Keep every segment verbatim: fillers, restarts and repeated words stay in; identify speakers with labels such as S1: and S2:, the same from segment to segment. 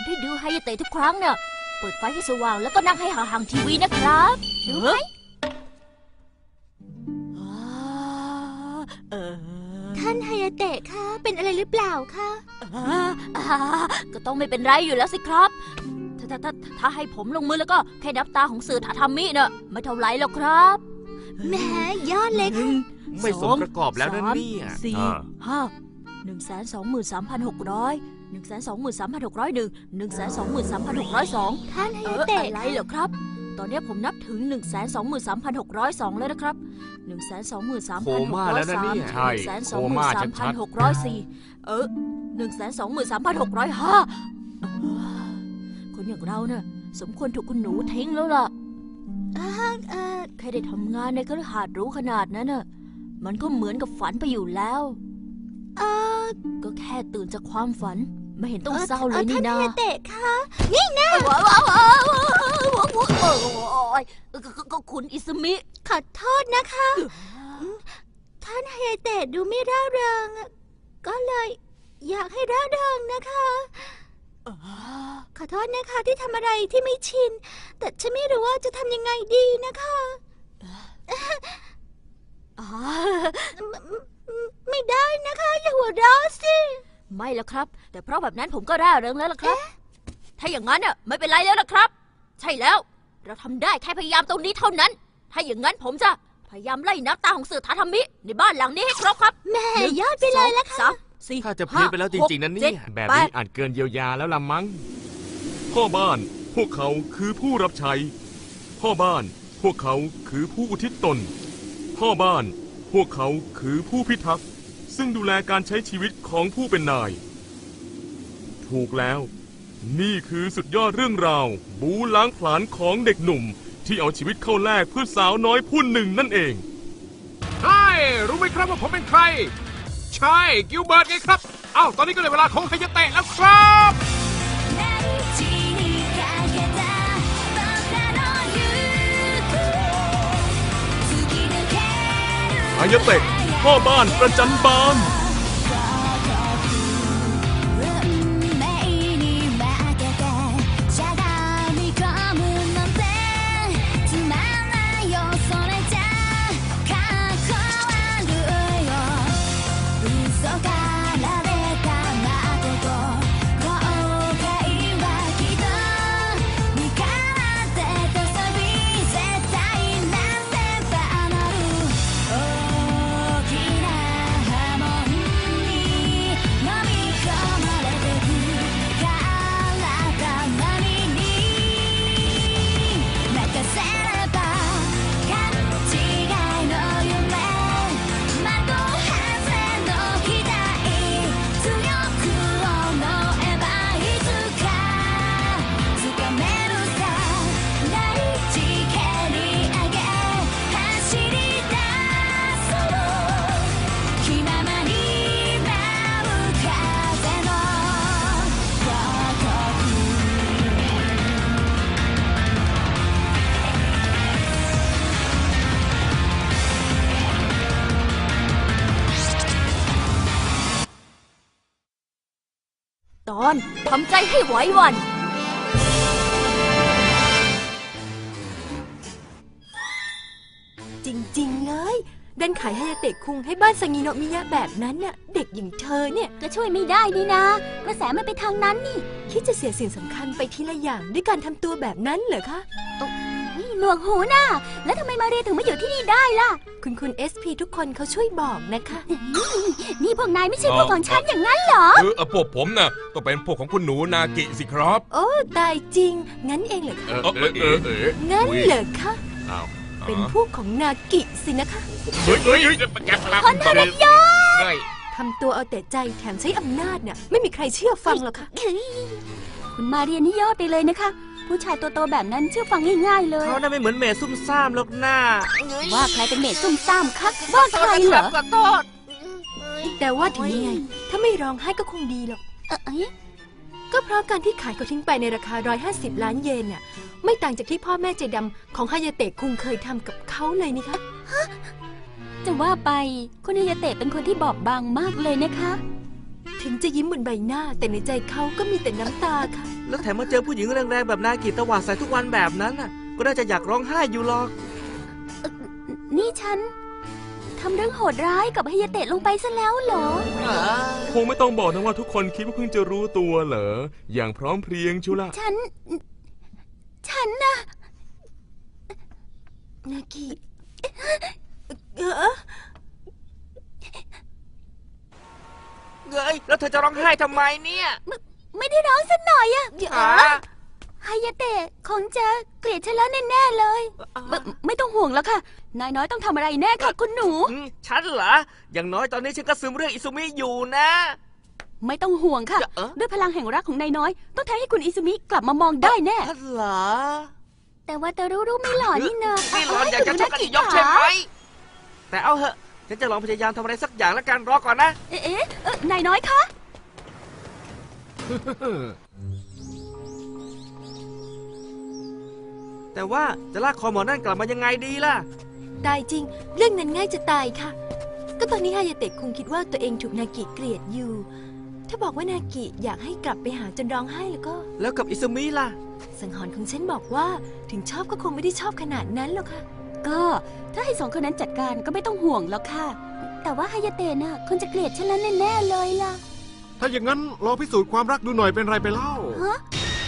S1: ที่ดูไฮยาเตะทุกครั้งเนี่ยเปิดไฟให้สว่างแล้วก็นั่งให้ห่างๆทีวีนะครับรู้ไหม
S2: ท่านไฮยาเตะคะเป็นอะไรหรือเปล่าคะ
S1: ก็ต้องไม่เป็นไรอยู่แล้วสิครับถ้าถ้าถ้าถ้าให้ผมลงมือแล้วก็แค่นับตาของสื่อถาทามิเนอะไม่เท่าไรหรอกครับ
S2: แหมยอดเลยค่ะ
S3: ไม่สมประกอบแล้วนั่นเนี่ย
S1: สี่ห้าหนึ่งแสนสองหมื่นสามพันหกร้อยหนึ่งแสนสองหมื่นสามพันหกร้อยหนึ่งหนึ่งแสนสองหมื่นสามพันหกร้อยสอง
S2: ท่านไฮยาเตะ
S1: อะไรเหรอครับตอนนี้ผมนับถึงหนึ่งแสนสองหมื่นสามพันหกร้อยสองแล้วนะครับหนึ่งแสนสองหมื่นสามพันหกร้อยสามหนึ่งแสนสองหมื่นสามพันหกร้อยสี่เออหนึ่งแสนสองหมื่นสามพันหกร้อยห้าคนอย่างเราเนี่ยสมควรถูกคุณหนูทิ้งแล้วล่ะแค่ได้ทำงานในคฤหาสน์หรูขนาดนั้นน่ะมันก็เหมือนกับฝันไปอยู่แล้ว
S2: เออ
S1: ก็แค่ตื่นจากความฝันไม่เห็นต้องเศร้าเลยนี่นา
S2: ท่านไฮยาเตะคะนี่นะ
S1: ก็คุณอิสมิ
S2: ขอโทษนะคะท่านไฮยาเตะดูไม่ร่าเริงก็เลยอยากให้ร่าเริงนะคะขอโทษนะคะที่ทำอะไรที่ไม่ชินแต่ฉันไม่รู้ว่าจะทำยังไงดีนะคะไม่ได้นะคะอย่าหัวเราะสิ
S1: ไม่แล้วครับแต่เพราะแบบนั้นผมก็ร่าเริงแล้วล่ะครับถ้าอย่างนั้นน่ะไม่เป็นไรแล้วล่ะครับใช่แล้วเราทำได้แค่พยายามตรงนี้เท่านั้นถ้าอย่างนั้นผมจะพยายามไล่นับตาของสื่อถาทามิในบ้านหลังนี้ให้ครบครับ
S2: แม่ยอดไปเลยละค่ะ
S3: ถ้าจะพี้ไปแล้วจริงๆนั่นนี่แบบนี้อาจเกินเยียวยาแล้วละมั้งพ่อบ้านพวกเขาคือผู้รับใช้พ่อบ้านพวกเขาคือผู้อุทิศตนพ่อบ้านพวกเขาคือผู้พิทักษ์ซึ่งดูแลการใช้ชีวิตของผู้เป็นนายถูกแล้วนี่คือสุดยอดเรื่องราวบู๊ล้างผลาญของเด็กหนุ่มที่เอาชีวิตเข้าแลกเพื่อสาวน้อยผู้หนึ่งนั่นเอง
S4: ใช่รู้ไหมครับว่าผมเป็นใครใช่กิลเบิร์ตไงครับอ้าวตอนนี้ก็เลยเวลาของไฮยาเตะแล้วครับ
S3: ไฮยาเตะพ่อบ้านประจันบาน
S1: ตอนทำใจให้ไหวหวั่น
S5: จริงๆเลยดันขายไฮยาเตะคุงให้บ้านซางิโนะมิยะแบบนั้นน่ะเด็กอย่างเธอเนี่ย
S2: ก็ช่วยไม่ได้นี่นะกระแสมันไปทางนั้นนี่
S5: คิดจะเสียสิ่งสำคัญไปทีละอย่างด้วยการทำตัวแบบนั้นเหรอคะ
S2: นี่หนวกหูน่ะแล้วทำไมมาเรียถึงมาอยู่ที่นี่ได้ล่ะ
S5: คุณคุณเอสพีทุกคนเขาช่วยบอกนะคะ
S2: นี่พวกนายไม่ใช่พวกของฉันอย่างนั้นเหรอ
S4: เออพวกผมน่ะต้องเป็นพวกของคุณหนูนากิสิครับ
S5: โอ้ตายจริงงั้นเองเหรอคะ
S4: เออเออเออเออ
S5: งั้นเหรอคะเป็นพวกของนากิสินะคะ
S4: เฮ้ยเฮ้ย
S2: คนทรยศ
S5: ทำตัวเอาแต่ใจแถมใช้อำนาจเนี่ยไม่มีใครเชื่อฟังหรอกค่ะ
S2: คุณมาเรียนนี่ยอดไปเลยนะคะผู้ชายตัวโตแบบนั้นเชื่อฟังง่ายๆเลย
S3: เขาน่าไม่เหมือนเมซุ่มซ่ามหรอกหน้า
S2: ว่าใครเป็นเมซุ่มซ่ามคะว่าใครเหรอ
S5: แต่ว่าถึงยังไงถ้าไม่ร้องไห้ก็คงดีหรอกก็เพราะการที่ขายเขาทิ้งไปในราคาหนึ่งร้อยห้าสิบล้านเยนเนี่ยไม่ต่างจากที่พ่อแม่ใจดำของไฮยาเตะคุงเคยทำกับเขาเลยนี่คะ
S2: จะว่าไปคุณไฮยาเตะเป็นคนที่บอบบางมากเลยนะคะ
S5: ถึงถึงจะยิ้มบนใบหน้า แต่ในใจเขาก็มีแต่น้ำตาค่ะ
S6: แล้วแถมมาเจอผู้หญิงแรงๆแบบนากิตวาดใส่ทุกวันแบบนั้นน่ะ ก็น่าจะอยากร้องไห้อยู่หรอก
S2: นี่ฉันทำเรื่องโหดร้ายกับฮายาเตะลงไปซะแล้วเหรอ
S3: คงไม่ต้องบอกนะว่าทุกคนคิดว่าเพิ่งจะรู้ตัวเหรอ อย่างพร้อมเพรียงชุละ
S2: ฉัน ฉันนะ
S5: นากิเออ
S6: เงยแล้วเธอจะร้องไห้ทำไมเนี่ย
S2: ไม่ได้ร้องสักหน่อยอะ
S5: เดี๋ยว
S6: หา
S2: ฮายาเตะคงจะเกลียดฉันแล้วแน่ๆเลยไม่ไม่ต้องห่วงแล้วค่ะ นายน้อยต้องทำอะไรแน่ค่ะคุณหนู
S6: อืมฉันเหรอ อย่างน้อยตอนนี้ฉันก็ซึมเรื่องอิซุมิอยู่นะ
S2: ไม่ต้องห่วงค่ะ
S6: เอ๊ะ
S2: ด้วยพลังแห่งรักของนายน้อย ต้องทำให้คุณอิซุมิกลับมามองได้แน่
S6: ฉันเหรอ
S2: แต่ว่าแต่รู้รู้ไม่หล่อนี่นะ
S6: นี่หลอนอยากจะชกกันอีกยกใช่ไหม แต่เอาเหอะ ฉันจะลองพยายามทำอะไรสักอย่างแล้วกันรอก่อนนะ
S2: เอ๊ะเอ๊ะเอ๊ะนายน้อยคะ
S6: แต่ว่าจะลากคอหมอนั่นกลับมายังไงดีล่ะ
S5: ตายจริง เรื่องนั้นง่ายจะตายค่ะ ก็ตอนนี้ฮายาเตะคงคิดว่าตัวเองถูกนากิเกลียดอยู่ ถ้าบอกว่านากิอยากให้กลับไปหาจนร้องไห้แล้วก็
S6: แล้วกับอิซุมิล่ะ
S5: สังหรณ์ของฉันบอกว่าถึงชอบก็คงไม่ได้ชอบขนาดนั้นหรอกค่ะ
S2: ก็ถ้าให้สองคนนั้นจัดการก็ไม่ต้องห่วงแล้วค่ะ แต่ว่าฮายาเตะน่ะคงจะเกลียดฉันแล้วแน่ๆเลยล่ะ
S4: ถ้าอย่างนั้นลองพิสูจน์ความรักดูหน่อยเป็นไรไปเล่า
S2: ฮะ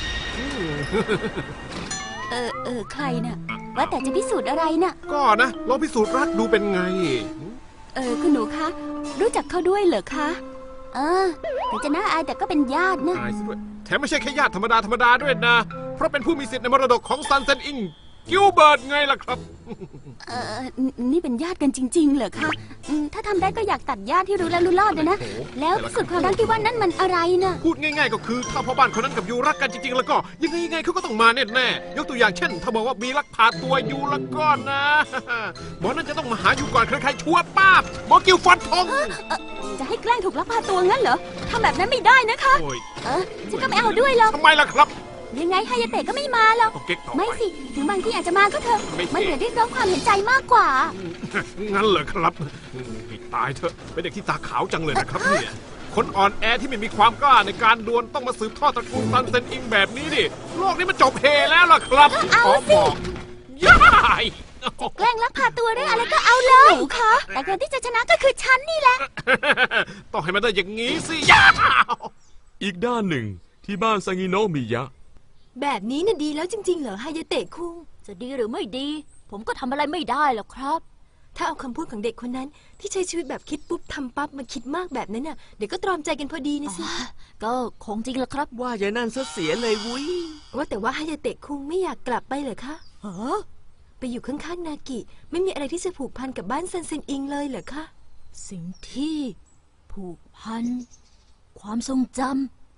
S2: เออเออใครน่ะ ว่าแต่จะพิสูจน์อะไรน่ะ
S4: ก็นะลองพิสูจน์รักดูเป็นไง
S2: เออคุณหนูคะรู้จักเขาด้วยเหรอคะเออถึงจะน่าอายแต่ก็เป็นญาตินะ
S4: อายซะด้วยแถมไม่ใช่แค่ญาติธรรมดาธรรมดาด้วยนะ เพราะเป็นผู้มีสิทธิ์ในมรดกของซันเซนอิงกิลเบิร์ตไงล่ะครับ
S2: เออนี่เป็นญาติกันจริง ๆ เหรอคะอืมถ้าทำได้ก็อยากตัดญาติที่รู้แล้วรู้รอดเลยนะ
S4: โอ้โห
S2: แล้วพิสูจน์ความรักที่ว่านั้นมันอะไรน่ะ
S4: พูดง่ายๆก็คือถ้าพ่อบ้านคนนั้นกับยูรักกันจริงๆ แล้วก็ยังไงยังไงเขาก็ต้องมาแน่ๆยกตัวอย่างเช่น ถ้าบอกว่ามีลักพาตัวยูแล้วก็นะ หมอนั่นจะต้องมาหายูก่อนใครๆชัวร์ป้าบหมอกิลฟันธง
S2: จะให้แกล้งถูกลักพาตัวงั้นเหรอทำแบบนั้นไม่ได้นะคะ
S4: โอ้ย
S2: เออฉันก็ไม่เอาด้วยหรอก
S4: ทำไมล่ะครับ
S2: ยังไงฮายาเตะก็ไม่มาหรอก
S4: ต้องเก๊กต่อ
S2: ไม่
S4: ไป
S2: สิถึงบางที่อาจจะมาก็เถอะ
S4: ไม่สิ
S2: มันเหมือนเรียกร้องความเห็นใจมากกว่า
S4: งั้นเหรอครับให้ตายเถอะเป็นเด็กที่ตาขาวจังเลยนะครับเนี่ยคนอ่อนแอที่ไม่มีความกล้าในการดวลต้องมาสืบทอดตระกูลซันเซนอิงแบบนี้ดิโลกนี้มันจบเฮแล้วล่ะครับ
S2: เอา
S4: ขอ
S2: สิ
S4: บอกยาย
S2: แกล้งลักพาตัวเรื่องอะไรก็เอาเลยหนูคะแต่คนที่จะชนะก็คือฉันนี่แหละ
S4: ต้องให้มันได้อย่างงี้สิยา
S3: อีกด้านหนึ่งที่บ้านซางิโนะมิยะ
S5: แบบนี้น่ะดีแล้วจริง ๆ เหรอฮายาเตะคุง
S1: จะดีหรือไม่ดี ผมก็ทำอะไรไม่ได้หรอกครับ
S5: ถ้าเอาคำพูดของเด็กคนนั้น ที่ใช้ชีวิตแบบคิดปุ๊บทำปั๊บมาคิดมากแบบนั้นน่ะเดี๋ยวก็ตรอมใจกันพอดีนะสิ
S1: ก็คงจริงละครับ
S6: ว่าอย่างนั้นซะเสียเลยวุ้ย
S5: ว่าแต่ว่าฮายาเตะคุงไม่อยากกลับไปเหรอคะ
S1: เออ
S5: ไปอยู่ข้างๆนากิ ไม่มีอะไรที่จะผูกพันกับบ้านซันเซนอิงเลยเหรอคะ
S1: สิ่งที่ผูกพัน ความทรงจำ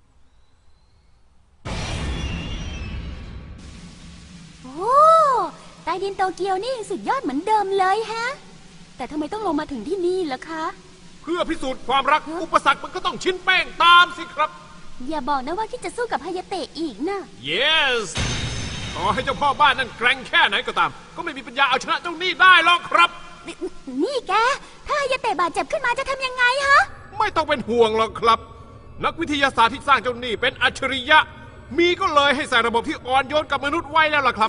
S1: โอ้ใต้ดินโตเกียวนี่สุดยอดเหมือนเดิมเลยฮะ แต่ทำไมต้องลงมาถึงที่นี่ล่ะคะ
S4: เพื่อพิสูจน์ความรักอุปสรรคมันก็ต้องชิ้นแป้งตามสิครับ
S2: อย่าบอกนะว่าที่จะสู้กับฮายาเตะอีกนะ
S4: yes ต่อให้เจ้าพ่อบ้านนั่นแกร่งแค่ไหนก็ตาม ก็ไม่มีปัญญาเอาชนะเจ้าหนี้ได้หรอกครับ
S2: นนี่แก ถ้าฮายาเตะบาดเจ็บขึ้นมาจะทำยังไงฮะ
S4: ไม่ต้องเป็นห่วงหรอกครับ นักวิทยาศาสตร์ที่สร้างเจ้าหนี้เป็นอัจฉริยะ มีก็เลยให้ใส่ระบบที่อ่อนโยนกับมนุษย์ไว้แล้วล่ะครับ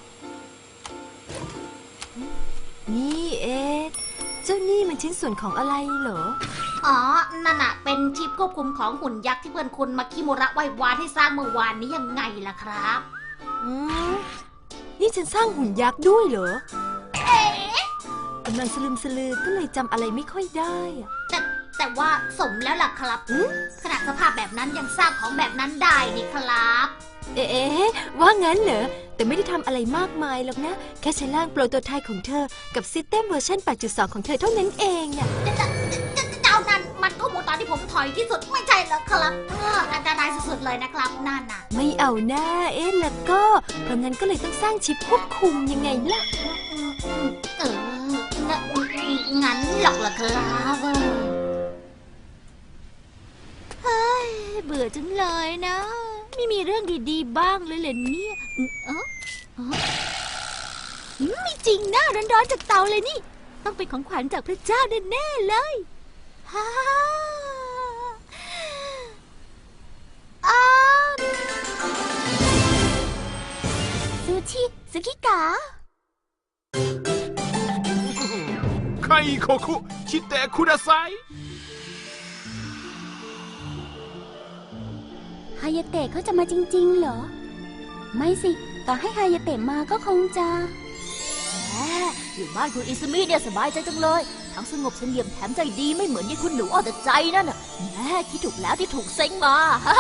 S5: นี่เอ๊ะเจ้านี่มันชิ้นส่วนของอะไรเหรอ
S7: อ๋อ นั่นน่ะ เป็นชิปควบคุมของหุ่นยักษ์ที่เพื่อนคุณมาคิโมระไหว้วานให้สร้างเมื่อวานนี้ยังไงล่ะครับ
S5: อืมนี่ฉันสร้างหุ่นยักษ์ด้วยเหรอกำลังสลืมสลือก็เลยจำอะไรไม่ค่อยได้อะ
S7: แต่แต่ว่าสมแล้วล่ะครับ
S5: อืม
S7: ขนาดสภาพแบบนั้นยังสร้างของแบบนั้นได้นี่ครับ
S5: เอ๊ะว่างั้นเหรอ แต่ไม่ได้ทำอะไรมากมายหรอกนะ แค่ใช้ร่างโปรโตไทป์ของเธอ กับซิสเต็มเวอร์ชัน แปดจุดสอง ของเธอเท่านั้นเองอะ
S7: เจ้านั้นมันก็หมูตอนที่ผมถอยที่สุดไม่ใช่เหรอครับเอออันตรายสุดๆเลยนะครับนั่นน่ะ
S5: ไม่เอาหน้าเอ๊ะแล้วก็ เพราะงั้นก็เลยต้องสร้างชิปควบคุมยังไงล่ะ
S7: เอองั้นงั้นหรอกเหรอครับเออ
S2: เบื่อจังเลยนะ ไม่มีเรื่องดีๆบ้างเลยเหรอเนี่ยอืมเออเอออืมไม่จริงนะร้อนๆจากเตาเลยนี่ ต้องเป็นของขวัญจากพระเจ้าแน่ๆเลยฮ่าจ๋า
S4: ไคโคคุชิเตะคุดาไซ
S2: ฮายาเตะเขาจะมาจริงๆเหรอ ไม่สิ ต่อให้ฮายาเตะมาก็คงจะ
S1: แหมอยู่บ้านคุณอิซึมิเนี่ยสบายใจจังเลย ทั้งสงบเสงี่ยมแถมใจดีไม่เหมือนยี่คุณหนูเอาแต่ใจนั่นน่ะแหมคิดถูกแล้วที่ถูกเซ็งมา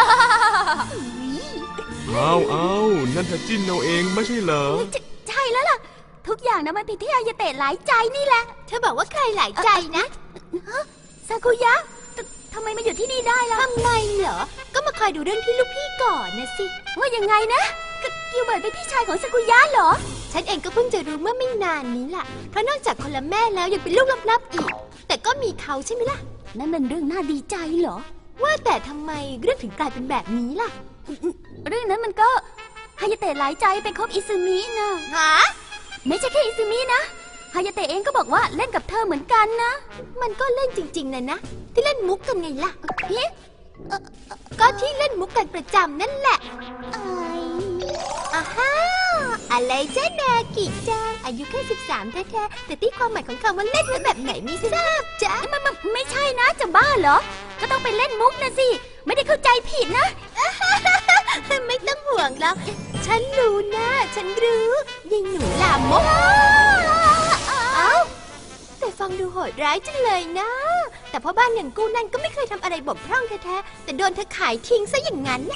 S3: เอาเอานั่นเธอจิ้นเอาเองไม่ใช่เหรอ
S2: ใช่แล้วล่ะ ทุกอย่างนะมันผิดที่ฮายาเตะหลายใจนี่แหละ เธอบอกว่าใครหลายใจนะซากุยะททำไมมาอยู่ที่นี่ได้ล่ะทำไมเหรอ ก็มาคอยดูเรื่องที่ลูกพี่ก่อนนะสิ ว่ายังไงนะกิวเบิร์ตเป็นพี่ชายของซากุยะเหรอ ฉันเองก็เพิ่งจะรู้เมื่อไม่นานนี้ล่ะ เพราะนอกจากคนละแม่แล้วยังเป็นลูกลับๆอีก แต่ก็มีเขาใช่ไหมล่ะ นั่นมันเรื่องน่าดีใจเหรอ ว่าแต่ทำไมเรื่องถึงกลายเป็นแบบนี้ล่ะ เรื่องนั้นมันก็ฮายาเตะหลายใจไปคบอิซึมินะฮะไม่ใช่แค่อิซึมินะฮายาเตะเองก็บอกว่าเล่นกับเธอเหมือนกันนะ มันก็เล่นจริงๆนะนะที่เล่นมุกกันไงล่ะเฮ้ก็ที่เล่นมุกกันประจำนั่นแหละอ้าฮ่าอะไรจ้านากิจังอายุแค่สิบสามแท้ๆแต่ที่ความหมายของคำว่าเล่นเป็นแบบไหนไม่ทราบจ้ะมันไม่ใช่นะจะบ้าเหรอก็ต้องไปเล่นมุกนะสิไม่ได้เข้าใจผิดนะไม่ต้องห่วงแล้วฉันรู้นะฉันรู้ยิงหนูลามกเอ้าแต่ฟังดูโหดร้ายจังเลยนะแต่พ่อบ้านอย่างกูนั่นก็ไม่เคยทำอะไรบกพร่องแท้ๆแต่โดนเธอขายทิ้งซะอย่างนั้น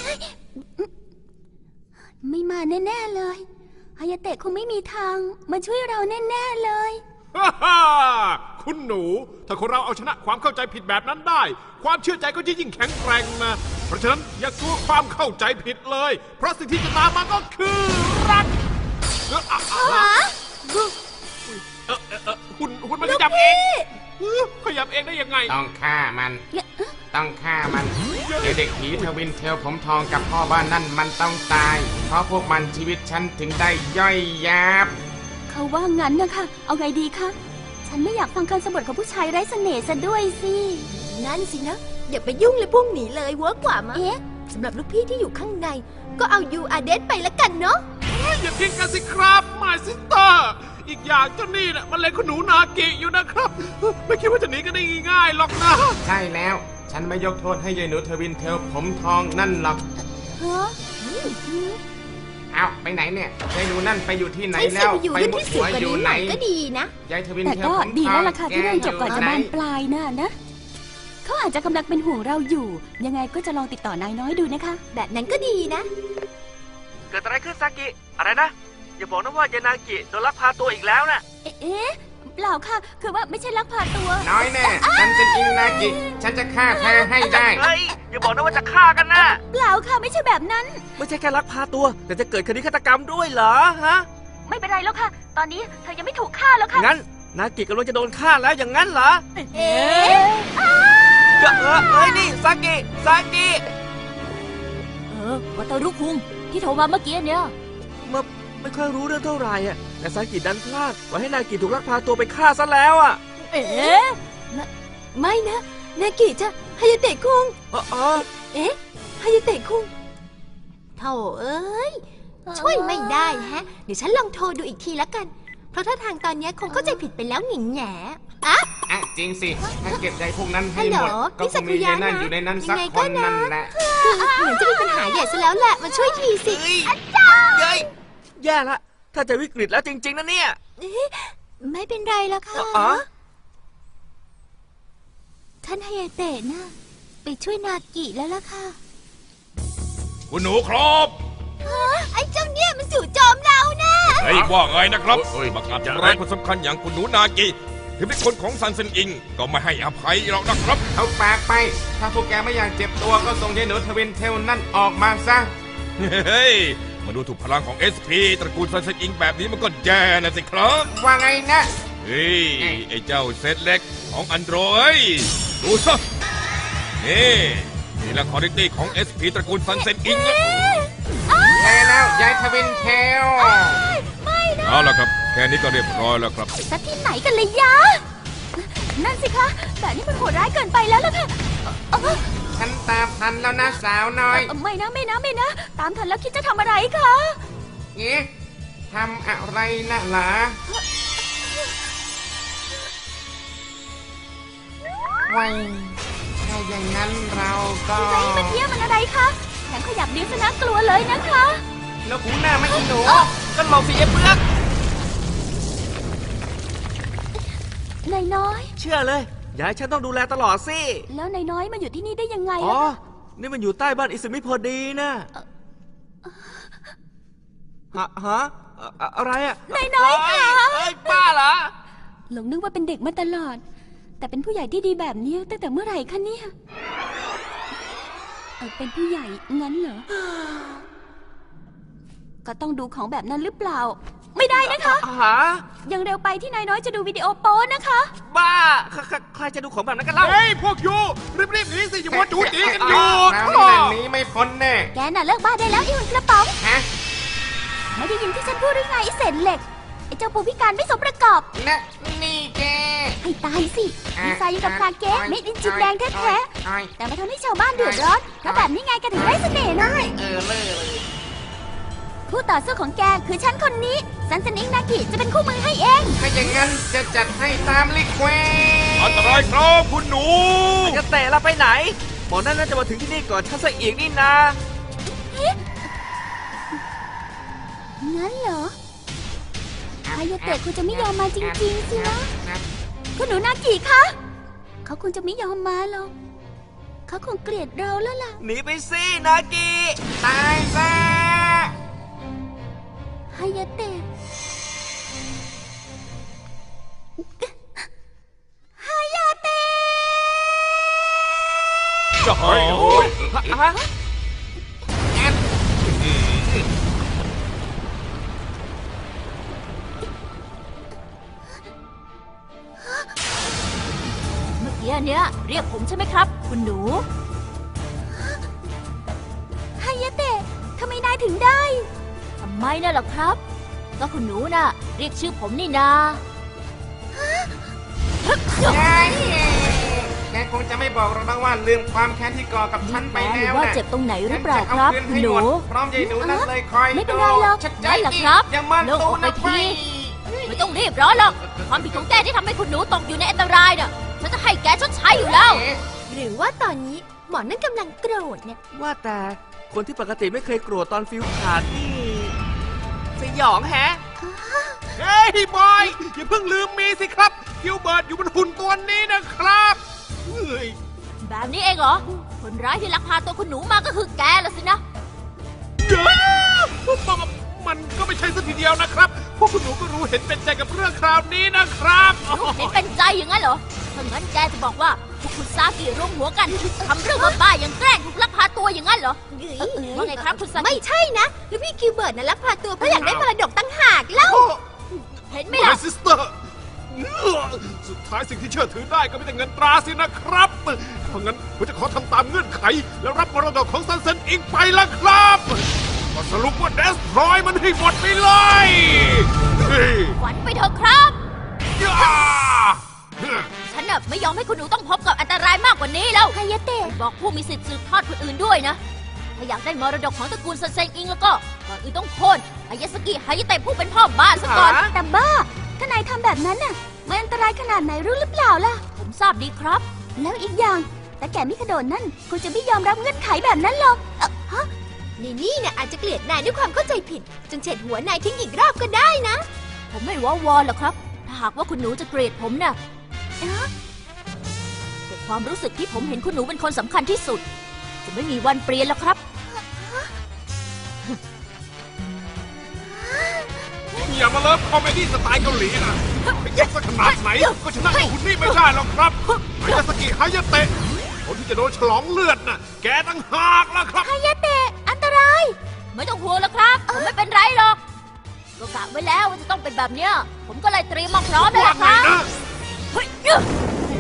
S2: ไม่มาแน่ๆเลยฮายาเตะคงไม่มีทางมาช่วยเราแน่ๆเลย
S4: ฮ่าฮ่าคุณหนู ถ้าคนเราเอาชนะความเข้าใจผิดแบบนั้นได้ ความเชื่อใจก็จะยิ่งแข็งแกร่งนะ เพราะฉะนั้นอย่ากลัวความเข้าใจผิดเลย เพราะสิ่งที่จะตามมาก็คือรักเอออะอะเออเออเออคุณคุณมันขยับเองเออขยับเองได้ยังไง
S8: ต้องฆ่ามัน ต้องฆ่ามันเดี๋ยวเด็กผีทวินเทลผมทองกับพ่อบ้านนั่นมันต้องตาย เพราะพวกมันชีวิตฉันถึงได้ย่อยยับ
S2: เขาว่างั้นนะคะเอาไงดีคะฉันไม่อยากฟังคำสบทของผู้ชายไร้เสน่ห์ซะด้วยสินั่นสินะอย่าไปยุ่งเลยพวกหนีเลยเวิร์กกว่ามั้งเอ๊ะสำหรับลูกพี่ที่อยู่ข้างในก็เอายูอาเดสไปละกันเนาะ
S4: อย่าทิ้งกันสิครับมาซิสเตอร์อีกอย่างเจ้านี่น่ะมันเล็งคุณหนูนากิอยู่นะครับไม่คิดว่าจะหนีกันได้ง่ายๆหรอกนะ
S8: ใช่แล้ว ฉันไม่ยกโทษให้ยายหนูทวินเทลผมทองนั่นหรอก
S2: ฮะ
S8: เอาไปไหนเนี่ยยายหนูนั่นไปอยู่ที่ไหน
S2: ใช่
S8: แล้
S2: สิ
S8: ว
S2: ไปอยู่
S8: ไป
S2: เรื่อง
S8: มุด
S2: ที่สู
S8: หั
S2: ง
S8: ว
S2: กว่า
S8: อยู่
S2: นี้ห
S8: ไหน
S2: น่อยก็ดีนะ
S8: ยายทวิน
S2: แต่
S8: เทล
S2: ก็
S8: ผม
S2: ดี
S8: ท
S2: แล้ว
S8: อง
S2: ล่ะค่ะที่เรื่องจบก่อนจะ
S8: แ
S2: บานปลายน่ะนะเขาอาจจะกำลังเป็นห่วงเราอยู่ ยังไงก็จะลองติดต่อนายน้อยดูนะคะ แบบนั้นก็ดีนะ
S6: เกิดอะไรขึ้นซากิ อะไรนะ อย่าบอกนะว่ายานากิโดนลักพาตัวอีกแล้วนะ
S2: เอ๊ะเปล่าค่ะ คือว่าไม่ใช่ลักพาตัว
S8: น้อยแน่ฉันเป็นอิงนากิ ฉันจะฆ่าเธอให้ได้
S6: เฮ้ย อย่าบอกนะว่าจะฆ่ากันนะ
S2: เปล่าค่ะไม่ใช่แบบนั้น
S6: ไม่ใช่แค่ลักพาตัว แต่จะเกิดคดีฆาตกรรมด้วยเหรอฮะ
S2: ไม่เป็นไรแล้วค่ะ ตอนนี้เธอยังไม่ถูกฆ่าแล้วค่ะ
S6: งั้น นากิกำลังจะโดนฆ่าแล้วอย่างนั้นเหรอ
S2: เอ๊ะ
S6: เออเออเอ้ยนี่ซากิ ซากิ
S1: เออวัตารุคุงที่โทรมาเมื่อกี้เนี่ย
S6: มาไม่ค่อยรู้เรื่องเท่าไหร่อะแต่ซากิดันพลาดปล่อยให้นากิถูกลักพาตัวไปฆ่าซะแล้วอะ
S1: เอ๊ะ
S2: ไม่นะ นากิจะฮายาเตะคุง
S6: เออเออ
S2: เอ๊ะฮายาเตะคุงโธ่เอ้ย ช่วยไม่ได้แฮะ เดี๋ยวฉันลองโทรดูอีกทีแล้วกัน เพราะถ้าทางตอนนี้คงเข้าใจผิดไปแล้วหนิงแหน่อะ
S8: อ่ะจริงสิ ถ้าเก็บยายพวกนั้นให้
S2: ฮัลโหล
S8: หมด ก็
S2: นี่
S8: ค
S2: สั
S8: ง
S2: ก
S8: มี
S2: คุยะ
S8: ยายนั่น
S2: นะ
S8: อยู่ในนั้นสัก
S2: ยังไง
S8: ค
S2: ก็
S8: น
S2: นะ
S8: นั่นแหละ
S2: คือเหมือนจะมีปัญหาใหญ่ซะแล้วแหละ มาช่วยทีสิ
S6: เฮ้ยเฮ้ยแย่ละ ถ้าจะวิกฤตแล้วจริง ๆนะเนี่ย
S2: ไม่เป็นไรแล้วค่ะ
S6: อ๋อ
S2: ท่านฮายาเตะนะไปช่วยนากิแล้วล่ะค่ะ
S4: คุณหนูครับ
S2: ไอ้เจ้าเนี่ยมันจู่โจมเรานะ
S4: เฮ้ยว่าไงนะครับ
S3: เฮ้ย
S4: บังอาจทำร้ายคนสำคัญอย่างคุณหนูนากิถึงเป็นคนของซันเซนอิงก็ไม่ให้อภัยหรอกนะครับ
S8: เอาปากไป ถ้าพวกแกไม่อยากเจ็บตัวก็ส่งยายหนูทวินเทลนั่นออกมาซะ
S4: เฮ้ย มาดูถูกพลังของ เอส พี ตระกูลซันเซนอิงแบบนี้มันก็แย่นะสิครับ
S8: ว่าไงนะ
S4: เฮ้ย ไอ้เจ้าเซตเล็กของอันโดรยดูซะนี่นี่แหละคอร์ดิตี้ของ เอส พี ตระกูลซันเซนอิง
S8: ใช่แล้วยายทวินเทล
S4: เอาละครับ แค่นี้ก็เรียบร้อยแล้วครับ
S2: สักที่ไหนกันเลยยะ นั่นสิคะ แต่นี่มันโหดร้ายเกินไปแล้วล่ะค่ะเอ่อ
S8: ฉันตามทันแล้วนะสาวน้อย
S2: เอ่อไม่นะไม่นะไม่นะ ตามทันแล้วคิดจะทำอะไรคะ
S8: เอ๊ะทำอะไรนะหลาไว้ถ้าอย่างนั้นเราก็
S2: ไรมันเยี่ยมันอะไรคะแถมขยับนิ้วซะน่ากลัวเลยนะคะ
S6: แล้วหูหน้าไม่อีหนูก็หลบสิเอเปลือก
S2: นายน้อย
S6: เชื่อเลยอย่าให้ฉันต้องดูแลตลอดสิ
S2: แล้วนายน้อยมาอยู่ที่นี่ได้ยังไง
S6: อ๋อ
S2: ล่ะ
S6: นี่มันอยู่ใต้บ้านอิสมิพอดีนะฮะฮะอะอะไรอะ
S2: นายน้อยค่ะ
S6: เอ้ยบ้าเหรอ
S2: หลงนึกว่าเป็นเด็กมาตลอด แต่เป็นผู้ใหญ่ที่ดีแบบนี้ตั้งแต่เมื่อไหร่คะเนี่ยเออเป็นผู้ใหญ่งั้นเหรอ ก็ต้องดูของแบบนั้นหรือเปล่า ไม่ได้นะคะ
S6: หา
S2: ยังเร็วไปที่นายน้อยจะดูวิดีโอโป๊นะคะ
S6: บ้าใครใครใครจะดูของแบบนั้นกันเล่า
S4: เฮ้ย พวกยูรีบๆหนีสิอย่ามัวจูจีกันอยู่
S8: เรานี่แหละหนีไม่พ้นแน่
S2: แกน่ะเลิกบ้าได้แล้วไอ้หุ่นกระป๋อง
S8: ฮะ
S2: ไม่ได้ยินที่ฉันพูดหรือไงไอ้เศษเหล็ก ไอ้เจ้าปูพิการไม่สมประกอบ
S8: นะนี่แก
S2: ให้ตายสิดีไซน์อยู่กับคาเกะเม็ดอินจินแดงแท้ๆ แต่มาทำให้ชาวบ้านเดือดร้อนเพราะแบบนี้ไงกันถึงได้เสน่ห์นะ
S8: เออเลยเลย
S2: คู่ต่อสู้ของแกคือฉันคนนี้ ซันเซนิงนากิจะเป็นคู่มือให้เอง
S8: ถ้าอย่างนั้นจะจัดให้ตามลิเควส
S4: อันตรายครับคุณหนู
S6: จะเตะเราไปไหนหมอนั่นน่าจะมาถึงที่นี่ก่อนฉันซะอีกนี่นา
S2: งั้นเหรอฮายาเตะคุณจะไม่ยอมมาจริงๆสินะ คุณหนูนากิคะ เขาคงจะไม่ยอมมาหรอก เขาคงเกลียดเราแล้วล่ะ
S6: หนีไปสินากิ
S8: ตายซะ
S2: ฮายาเตะฮายาเตะ
S4: จะให้โอ้ย
S6: ฮะ
S1: เมื่อกี้เนี้ยเรียกผมใช่ไหมครับ คุณหนู
S2: ฮายาเตะทำไมนายถึงได้
S1: ทำไมน่ะล่ะครับ ก็คุณหนูน่ะ เรียกชื่อผมนี่นา
S8: แกคงจะไม่บอกเราบ้างว่าลืมความแค้นที่ก่อกับฉันไป
S1: ห
S8: แล้
S1: รือ
S8: ว
S1: ว่า
S8: นะ
S1: เจ็บตรงไหนหรือเปล่าครับ
S8: ฉันจะ
S1: คุ
S8: เอา
S1: ณหนู
S8: คืนให้หมดพร้อมยายหนูนั่นเลยคอย
S2: ไม่เป็นไรหรอก
S8: ชัดใจ
S1: ได้เหรอครับ
S8: อย่ามัน
S1: โล่ง
S8: ตู
S1: อกไป
S8: นะ
S1: ที
S8: ไป
S1: ไม่ต้องรีบร้อนหรอก ความผิดของแกที่ทำให้คุณหนูตกอยู่ในอันตรายน่ะ ฉันจะให้แกชดใช้อยู่แล้ว
S5: หรือว่าตอนนี้หมอนั่นกำลังโกรธเนี่ย
S6: ว่าแต่คนที่ปกติไม่เคยโกรธตอนฟิวขาดนี่สยองแฮะ
S4: เฮ้ยบอย อย่าเพิ่งลืมมีสิครับกิลเบิร์ตอยู่บนหุ่นตัวนี้นะครับเฮ้ย
S1: แบบนี้เองเหรอ คนร้ายที่ลักพาตัวคุณหนูมาก็คือแกละสินะ
S4: เดี๋ยวมันมันก็ไม่ใช่สักทีเดียวนะครับพวกคุณหนูก็รู้เห็นเป็นใจกับเรื่องคราวนี้นะครับ
S1: เห็นเป็นใจอย่างนั้นเหรอถ้างั้นแกจะบอกว่าพวกคุณซากิร่วมหัวกันทำเรื่องบ้าๆอย่างแกล้งถูกลักพาตัวอย่างนั้นเหรอเออว่าไงครับคุณซากิ
S5: ไม่ใช่นะแล้วพี่คิวเบิร์ตน่ะลักพาตัวเพราะอยากได้มรดกตั้งหากเล่า
S1: เห็นไหม
S4: ไม่
S1: ล่ะ
S4: ซิสเตอร์สุดท้ายสิ่งที่เชื่อถือได้ก็มีแต่เงินตราสินะครับ เพราะงั้นผมจะขอทำตามเงื่อนไข แล้วรับมรดกของซันเซนอิงไปละครับก็สรุปว่าเดสทรอยมันให้หมดไปเลยเฮ้ย
S1: ฝันไปเถอะครับ
S4: ย่า
S1: ฉันน่ะไม่ยอมให้คุณหนูต้องพบกับอันตรายมากกว่านี้แล้ว
S2: ฮายาเตะ
S1: บอกผู้มีสิทธิ์สืบทอดคนอื่นด้วยนะ ถ้าอยากได้มรดกของตระกูลซันเซงอิงแล้วก็ก่อนอื่นต้องโค่นอายาสกิฮายาเตะผู้เป็นพ่อบ้านซะก่อน
S6: หา
S2: แต่บ้า ถ้านายทำแบบนั้นน่ะ มันอันตรายขนาดไหนรู้หรือเปล่าล่ะ
S1: ผมทราบดีครับ
S2: แล้วอีกอย่างแต่แกมิคาโดนนั่นคงจะไม่ยอมรับเงื่อนไขแบบนั้นหรอกเอ่อฮะ
S5: นี่นี่เนี่ยอาจจะเกลียดนายด้วยความเข้าใจผิด จนเฉดหัวนายทิ้งอีกรอบก็ได้นะ
S1: ผมไม่ว้าวอนหรอกครับ ถ้าหากว่าคุณหนูจะเกลียดผมน่ะ
S2: เอ๊ะ
S1: แต่ความรู้สึกที่ผมเห็นคุณหนูเป็นคนสำคัญที่สุด จะไม่มีวันเปลี่ยนแล้วครับ
S4: อย่ามาเลิฟคอมเมดี้สไตล์เกาหลีนะไม่เก่งสักขนาดไหน ก็ชนะหุ่นนี่ไม่ได้หรอกครับฮายาสกิฮายาเตะคนที่จะโดนฉลองเลือดน่ะ แกตั้งหากแล้วครับ
S2: ฮายาเตะอันตราย
S1: ไม่ต้องห่วงแล้วครับ ผมไม่เป็นไรหรอก ก็กะไว้แล้วว่าจะต้องเป็นแบบเนี้ย ผมก็เลยเตรียมมาพร้อมแล้ว
S4: ว่า
S1: ล่ะ
S4: ไง
S1: ครับ
S4: นะ
S1: เฮ้ยเอ้อ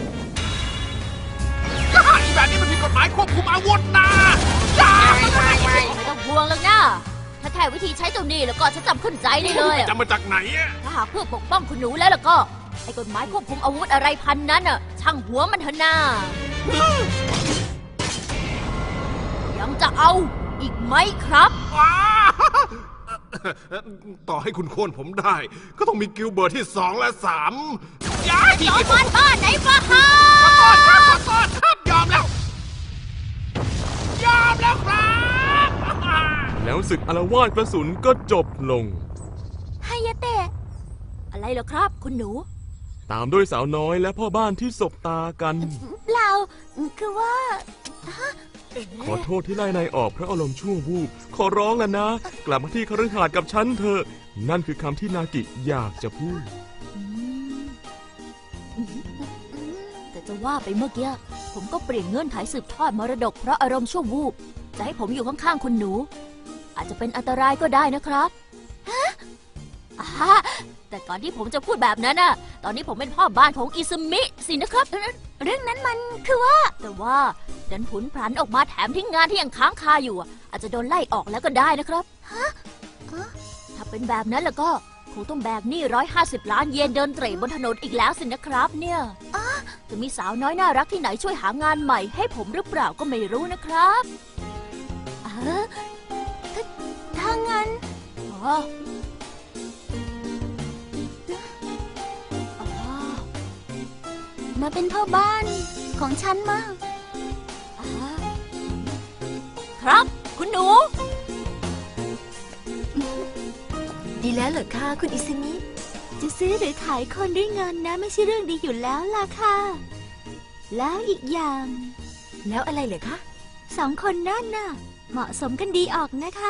S4: ก็หาอีแบบนี้มันผิดกฎหมายควบคุมอาวุธนะจ้า
S8: ไม่ไม่ไม่
S1: ไม่ต้องห่วงแล้วนะถ้าแค่วิธีใช้เจ้าหนี้แล้วก็ฉันจำขึ้นใจได้เลยอะ
S4: จะมาจากไหนอะ
S1: ถ้าหากเพื่อปกป้องคุณหนูแล้วล่ะก็ ไอ้กฎหมายควบคุมอาวุธอะไรพันนั้นอ่ะ ช่างหัวมันเถอะนายังจะเอาอีกไหมครับ
S4: ว้าต่อให้คุณโค่นผมได้ ก็ต้องมีกิลเบิร์ตที่สองและสามย้าย
S7: จอมมันบ้านไหนบ้าฮะ
S4: ขอโทษครับขอโทษครับยอมแล้ว ยอมแล้วครับ
S3: แล้วศึกอารวาสกระสุนก็จบลง
S2: ฮายาเตะ
S1: อะไรเหรอครับ คุณหนู
S3: ตามด้วยสาวน้อยและพ่อบ้านที่สบตากัน
S2: เปล่า คือว่า
S3: ขอโทษที่ไล่นายออกเพราะอารมณ์ชั่ววูบขอร้องแล้วนะ กลับมาที่คฤหาสน์กับฉันเถอะนั่นคือคำที่นากิอยากจะพูด
S1: แต่จะว่าไปเมื่อกี้ผมก็เปลี่ยนเงื่อนไขสืบทอดมรดกเพราะอารมณ์ชั่ววูบจะให้ผมอยู่ข้างๆคุณหนู อาจจะเป็นอันตรายก็ได้นะครับฮะอ่าแต่ก่อนที่ผมจะพูดแบบนั้นน่ะ ตอนนี้ผมเป็นพ่อบ้านของอิซึมิสินะครับ
S2: เรื่องนั้นมันคือว่า
S1: แต่ว่าดันผุนพลันออกมาแถมทิ้งงานที่ยังค้างคาอยู่อ่ะอาจจะโดนไล่ออกแล้วก็ได้นะครับฮะถ้าเป็นแบบนั้นแล้วก็คงต้องแบกหนี้ร้อยห้าสิบล้านเยนเดินเตร่บนถนนอีกแล้วสินะครับเนี่ยจะมีสาวน้อยน่ารักที่ไหนช่วยหางานใหม่ให้ผมหรือเปล่าก็ไม่รู้นะครับเออ
S2: ถ้างั้น
S1: อ๋ออ๋อ
S2: มาเป็นพ่อบ้านของฉันมา
S1: อ่าครับคุณหนู
S5: ดีแล้วเหรอคะคุณอิซึมิ
S2: จะซื้อหรือขายคนด้วยเงินนะไม่ใช่เรื่องดีอยู่แล้วล่ะค่ะ แล้วอีกอย่าง
S5: แล้วอะไรเหรอคะ
S2: สองคนนั่นน่ะ เหมาะสมกันดีออกนะคะ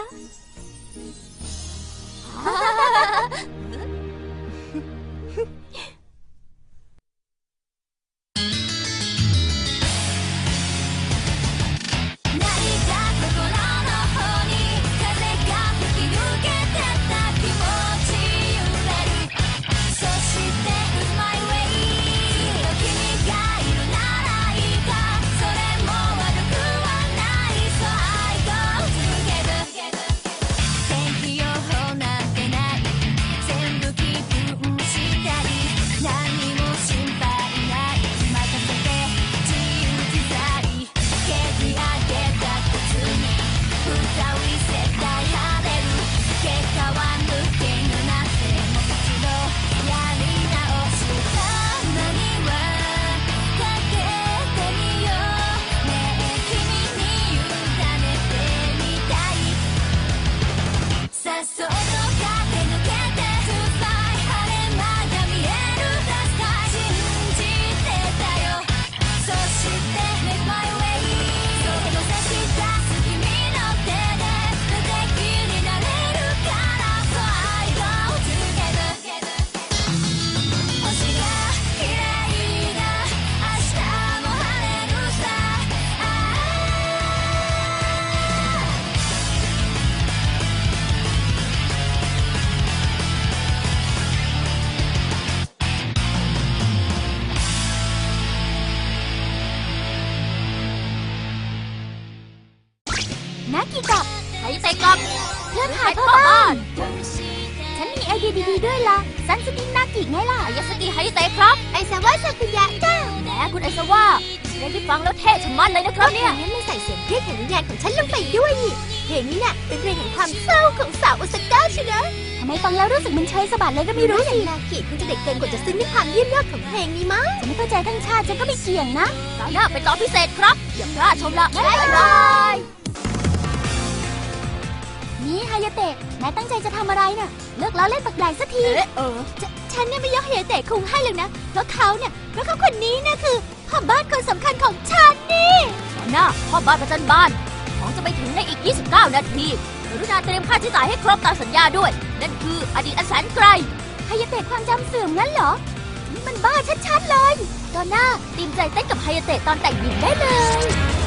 S2: นักกีกับ
S1: ใครจะเตะกับ
S2: เพื่อนขายพ่อบ้าน ฉันมีไอเดียดีๆด้วยล่ะซันสกินนากิไงล่ะ
S1: อายาสกิไฮเตะครับ
S2: ไอซาวะซากุยะจ้า
S1: แหมคุณไอซาว่าเพลงที่ฟังแล้วเท่ชะมัดเลยนะครับเนี่ย
S2: งั้นไม่ใส่เสียงเพลงแห่งวิญญาณของฉันลงไปด้วยนี่เพลงนี้น่ะเป็นเพลงแห่งความเศร้าของสาวโอซาก้าใช่ไหมทำไมฟังแล้วรู้สึกมันเชยสะบัดเลยก็ไม่รู้สินากิคุณจะเด็กเกินกว่าจะซึ้งในความเยี่ยมยอดของเพลงนี้มั้งจะไม่เข้าใจทั้งชาติฉันก็ไม่เกี่ยงนะ
S1: คราวหน้าเป็นตอนพิเศษครับ อย่าพลาดชมละบ๊ายบาย
S2: นี่ฮายาเตะนายตั้งใจจะทำอะไรน่ะ เลิกล้อเล่นปักใหญ่สักที
S1: เอ๊ะเออ
S2: ฉฉันเนี่ยไม่ยกฮายาเตะคุงให้เลยนะ เพราะเขาเนี่ยเพราะเขาคนนี้นะคือพ่อบ้านคนสำคัญของฉันนี่
S1: ตอนหน้าพ่อบ้านประจันบ้าน ของจะไปถึงในอีก ยี่สิบเก้า นาทีกรุณาเตรียมค่าใช้จ่ายให้ครบตามสัญญาด้วย นั่นคืออดีตอันแสนไกล
S2: ฮายาเตะความจำเสื่อมงั้นเหรอ นี่มันบ้าชัดๆเลย ตอนหน้าเตรียมใจเต้นกับฮายาเตะตอนแต่งหญิงได้เลย